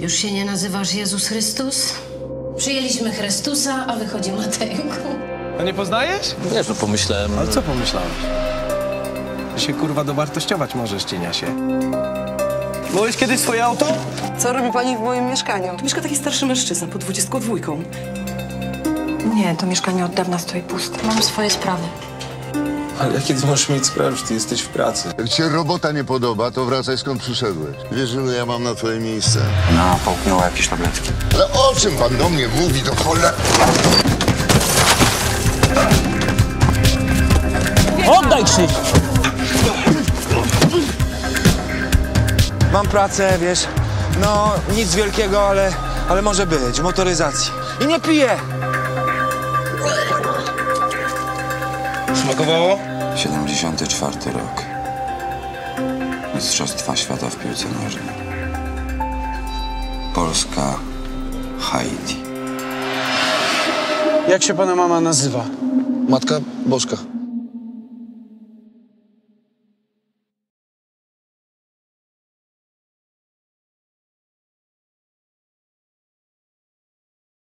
Już się nie nazywasz Jezus Chrystus? Przyjęliśmy Chrystusa, a wychodzi Matejku. A nie poznajesz? Wiesz, no pomyślałem... Ale co pomyślałeś? Że się kurwa dowartościować możesz, cieniasie. Byłeś kiedyś swoje auto? Co robi pani w moim mieszkaniu? Tu mieszka taki starszy mężczyzna pod 22. Nie, to mieszkanie od dawna stoi puste. Mam swoje sprawy. Ale jakie ty możesz mieć sprawę, że ty jesteś w pracy? Jak ci się robota nie podoba, to wracaj skąd przyszedłeś. Wiesz, ilu ja mam na twoje miejsce? Ona połknęła jakieś tabletki. Ale o czym pan do mnie mówi, do cholery? Oddaj Krzyś! Mam pracę, wiesz, no nic wielkiego, ale może być, w motoryzacji. I nie piję! Smakowało? 74 rok. Mistrzostwa świata w piłce nożnej. Polska, Haiti. Jak się pana mama nazywa? Matka Bożka.